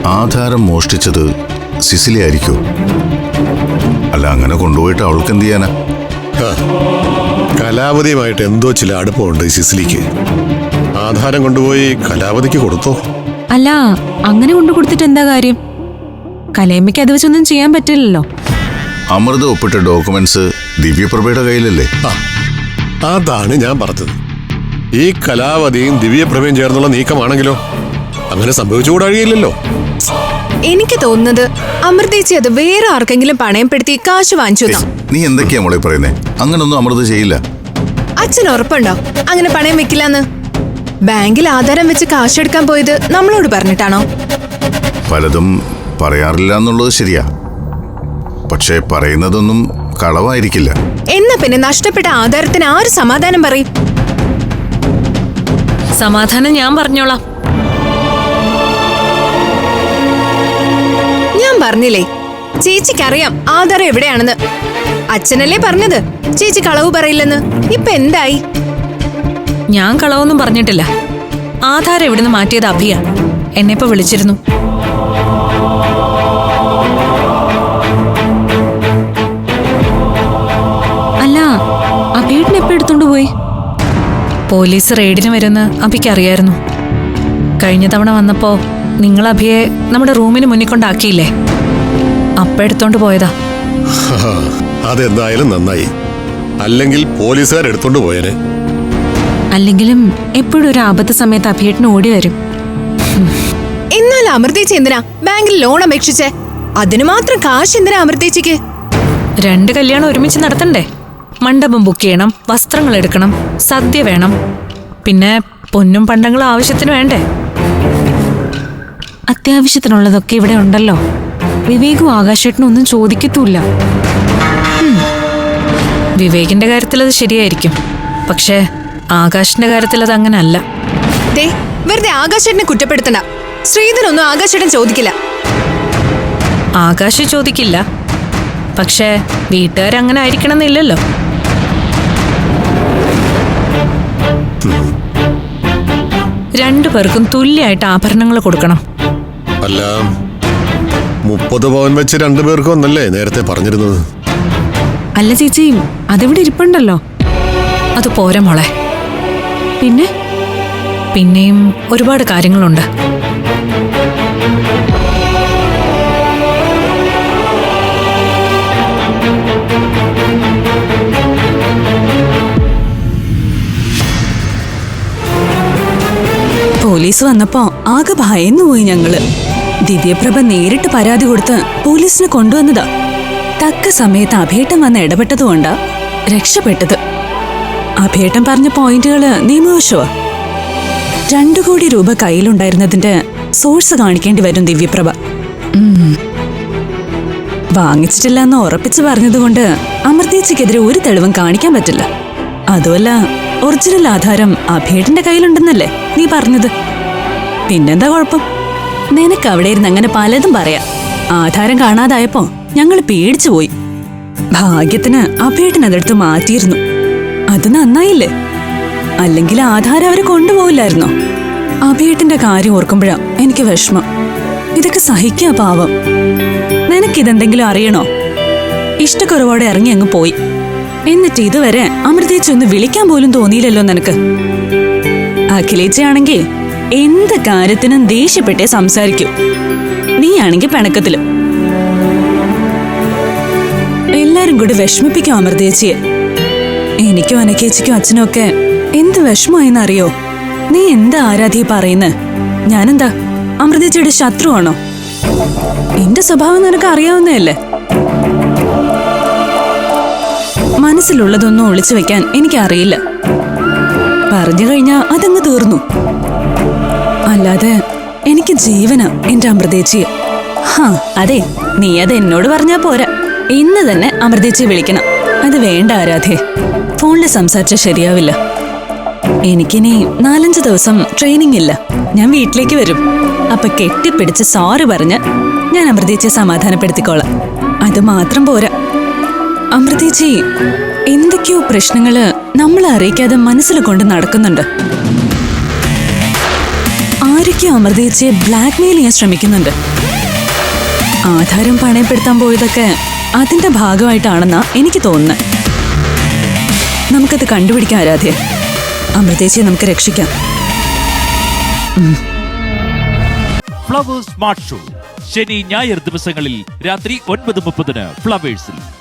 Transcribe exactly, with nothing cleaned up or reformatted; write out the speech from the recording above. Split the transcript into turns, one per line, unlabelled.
ആധാരം മോഷ്ടിച്ചത് സിസിലി ആയിരിക്കോ? അല്ല, അങ്ങനെ കൊണ്ടുപോയിട്ട് അവൾക്ക് എന്ത് ചെയ്യാനാ?
കലാവതിയുമായിട്ട് എന്തോ ചില അടുപ്പമുണ്ട് സിസിലിക്ക്. ആധാരം കൊണ്ടുപോയി കലാവതിക്ക് കൊടുത്തോ?
അല്ല, അങ്ങനെ കൊണ്ടു കൊടുത്തിട്ട് എന്താ കാര്യം? കലയമ്മയ്ക്ക് അത് വെച്ചൊന്നും ചെയ്യാൻ പറ്റില്ലല്ലോ.
അമൃത ഒപ്പിട്ട ഡോക്യുമെന്റ്സ് ദിവ്യപ്രഭയുടെ കയ്യിലല്ലേ?
അതാണ് ഞാൻ പറഞ്ഞത്. ഈ കലാവതിയും ദിവ്യപ്രഭയും ചേർന്നുള്ള നീക്കമാണെങ്കിലോ അങ്ങനെ സംഭവിച്ചുകൂടാഴിയില്ലല്ലോ.
എനിക്ക് തോന്നുന്നത് അമൃതേച്ചി അത് വേറെ ആർക്കെങ്കിലും പണയപ്പെടുത്തി കാശ് വാങ്ങിച്ചു.
നീ എന്തൊക്കെയാ മോളെ പറയുന്നേ? അങ്ങനൊന്നും അമൃത ചെയ്യില്ല.
അച്ഛൻ ഉറപ്പുണ്ടോ അങ്ങനെ പണയം വെക്കില്ലെന്ന്? ബാങ്കിൽ ആധാരം വെച്ച് കാശെടുക്കാൻ പോയത് നമ്മളോട് പറഞ്ഞിട്ടാണോ?
പലതും പറയാറില്ല എന്നുള്ളത് ശരിയാ, പക്ഷേ പറയുന്നതൊന്നും കളവായിരിക്കില്ല.
എന്നാ പിന്നെ നഷ്ടപ്പെട്ട ആധാരത്തിന് ആര് സമാധാനം പറയും?
സമാധാനം ഞാൻ പറഞ്ഞോളാം.
ഞാൻ പറഞ്ഞില്ലേ, ചേച്ചിക്കറിയാം ആധാരം എവിടെയാണെന്ന്. അച്ഛനല്ലേ പറഞ്ഞത് ചേച്ചി കളവ് പറയില്ലെന്ന്. ഇപ്പൊ എന്തായി?
ഞാൻ കളവൊന്നും പറഞ്ഞിട്ടില്ല. ആധാരം എവിടുന്ന് മാറ്റിയത് അഭിയ. എന്നെ ഇപ്പൊ വിളിച്ചിരുന്നു. അല്ല, അഭിയേട്ടൻ എപ്പോ എടുത്തോണ്ട് പോയി? പോലീസ് റെയ്ഡിന് വരുമെന്ന് അഭിക്ക് അറിയായിരുന്നു. കഴിഞ്ഞ തവണ വന്നപ്പോ നിങ്ങൾ അഭിയെ നമ്മുടെ റൂമിന് മുന്നിൽ കൊണ്ടാക്കിയില്ലേ, അപ്പ എടുത്തോണ്ട് പോയതാ.
അതെന്തായാലും നന്നായി, അല്ലെങ്കിൽ പോലീസുകാർ എടുത്തോണ്ട് പോയേനെ.
അല്ലെങ്കിലും എപ്പോഴും ഒരു ആപത്ത് സമയത്ത് അഭിയേട്ടന് ഓടി വരും.
എന്നാൽ അമൃതേച്ചി എന്തിനാ ബാങ്കിൽ ലോൺ അപേക്ഷിച്ചേ? അതിനു മാത്രം കാശ് എന്തിനാ അമൃതേച്ചിക്ക്?
രണ്ട് കല്യാണം ഒരുമിച്ച് നടത്തണ്ടേ? മണ്ഡപം ബുക്ക് ചെയ്യണം, വസ്ത്രങ്ങൾ എടുക്കണം, സദ്യ വേണം, പിന്നെ പൊന്നും പണ്ടങ്ങളും ആവശ്യത്തിന് വേണ്ടേ? അത്യാവശ്യത്തിനുള്ളതൊക്കെ ഇവിടെ ഉണ്ടല്ലോ. വിവേകും ആകാശേട്ടനും ഒന്നും ചോദിക്കത്തൂല്ല. വിവേകിന്റെ കാര്യത്തിൽ അത് ശരിയായിരിക്കും, പക്ഷേ ആകാശിന്റെ കാര്യത്തിൽ അത് അങ്ങനെ അല്ല.
വെറുതെ ആകാശേട്ടനെ കുറ്റപ്പെടുത്തണ്ട. ശ്രീധരൊന്നും ആകാശേട്ടൻ ചോദിക്കില്ല.
ആകാശ് ചോദിക്കില്ല, പക്ഷേ വീട്ടുകാരങ്ങനെ ആയിരിക്കണം എന്നില്ലല്ലോ. രണ്ടു പേർക്കും തുല്യമായിട്ട് ആഭരണങ്ങൾ കൊടുക്കണം.
അല്ല, മുപ്പത് പവൻ വെച്ച് രണ്ടുപേർക്കും ഒന്നല്ലേ നേരത്തെ പറഞ്ഞിരുന്നത്?
അല്ല ചേച്ചി, അതിവിടെ ഇരിപ്പുണ്ടല്ലോ. അത് പോരാ മോളെ. പിന്നെ പിന്നെയും ഒരുപാട് കാര്യങ്ങളുണ്ട്.
പോലീസ് വന്നപ്പോ ആകെ ഭയന്നു പോയി ഞങ്ങള്. ദിവ്യപ്രഭ നേരിട്ട് പരാതി കൊടുത്ത് പോലീസിനെ കൊണ്ടുവന്നതാ. തക്ക സമയത്ത് അഭേട്ടൻ വന്ന് ഇടപെട്ടതുകൊണ്ടാ രക്ഷപ്പെട്ടത്. അഭേട്ടൻ പറഞ്ഞ പോയിന്റുകള് നിയമവശമാ. രണ്ടു കോടി രൂപ കയ്യിലുണ്ടായിരുന്നതിന്റെ സോഴ്സ് കാണിക്കേണ്ടി വരും ദിവ്യപ്രഭ. വാങ്ങിച്ചിട്ടില്ല എന്ന് ഉറപ്പിച്ചു പറഞ്ഞതുകൊണ്ട് അമൃതേച്ചിക്കെതിരെ ഒരു തെളിവും കാണിക്കാൻ പറ്റില്ല. അതുമല്ല, ഒറിജിനൽ ആധാരം അഭേട്ടന്റെ കയ്യിലുണ്ടെന്നല്ലേ നീ പറഞ്ഞത്? പിന്നെന്താ കുഴപ്പം? നിനക്ക് അവിടെ ഇരുന്ന് അങ്ങനെ പലതും പറയാം. ആധാരം കാണാതായപ്പോ ഞങ്ങൾ പേടിച്ചു പോയി. ഭാഗ്യത്തിന് അഭേട്ടൻ അതെടുത്ത് മാറ്റിയിരുന്നു. അത് നന്നായില്ലേ? അല്ലെങ്കിൽ ആധാരം അവര് കൊണ്ടുപോകില്ലായിരുന്നോ? അഭേട്ടന്റെ കാര്യം ഓർക്കുമ്പോഴാ എനിക്ക് വിഷമം. ഇതൊക്കെ സഹിക്കാ പാവം. നിനക്കിതെന്തെങ്കിലും അറിയണോ? ഇഷ്ടക്കുറവോടെ ഇറങ്ങി അങ്ങ് പോയി. എന്നിട്ട് ഇതുവരെ അമൃതേച്ചി ഒന്ന് വിളിക്കാൻ പോലും തോന്നിയില്ലല്ലോ നിനക്ക്. അഖിലേച്ചയാണെങ്കിൽ എന്ത് കാര്യത്തിനും ദേഷ്യപ്പെട്ടേ സംസാരിക്കൂ. നീയാണെങ്കിൽ പിണക്കത്തിലും. എല്ലാരും കൂടി വിഷമിപ്പിക്കും അമൃതേച്ചിയെ. എനിക്കും അനക്കേച്ചിക്കും അച്ഛനും ഒക്കെ എന്ത് വിഷമമായെന്നറിയോ? നീ എന്താ ആരാധി പറയുന്നത്? ഞാനെന്താ അമൃതേച്ചിയുടെ ശത്രുവാണോ? എന്റെ സ്വഭാവം നിനക്ക് അറിയാവുന്നതല്ലേ. മനസ്സിലുള്ളതൊന്നും ഒളിച്ചു വെക്കാൻ എനിക്കറിയില്ല. പറഞ്ഞു കഴിഞ്ഞാ അതങ്ങ് തീർന്നു. അല്ലാതെ എനിക്ക് ജീവനാ എന്റെ അമൃതേച്ചിയെ. ഹാ അതെ, നീ അത് എന്നോട് പറഞ്ഞാ പോരാ. ഇന്ന് തന്നെ അമൃതേച്ചിയെ വിളിക്കണം. അത് വേണ്ട ആരാധേ, ഫോണിൽ സംസാരിച്ചാൽ ശരിയാവില്ല. എനിക്കിനി നാലഞ്ച് ദിവസം ട്രെയിനിങ് ഇല്ല. ഞാൻ വീട്ടിലേക്ക് വരും. അപ്പൊ കെട്ടിപ്പിടിച്ച് സോറി പറഞ്ഞ് ഞാൻ അമൃതേച്ചിയെ സമാധാനപ്പെടുത്തിക്കോളാം. അത് മാത്രം പോരാ, അമൃതേച്ചി എന്തൊക്കെയോ പ്രശ്നങ്ങള് നമ്മളെ അറിയിക്കാതെ മനസ്സിൽ കൊണ്ട് നടക്കുന്നുണ്ട്. ആരൊക്കെയോ അമൃതേച്ചിയെ ബ്ലാക്ക്മെയിൽ ചെയ്യാൻ ശ്രമിക്കുന്നുണ്ട്. ആധാരം പണയപ്പെടുത്താൻ പോയതൊക്കെ അതിന്റെ ഭാഗമായിട്ടാണെന്നാ എനിക്ക് തോന്നുന്നത്. നമുക്കത് കണ്ടുപിടിക്കാം ആരാധ്യ. അമൃതേച്ചിയെ നമുക്ക് രക്ഷിക്കാം.
ഫ്ലവേഴ്സ് സ്മാർട്ട് ഷോ ശനി ഞായർ ദിവസങ്ങളിൽ രാത്രി ഒൻപത് മുപ്പതിന് ഫ്ലവേഴ്സിൽ.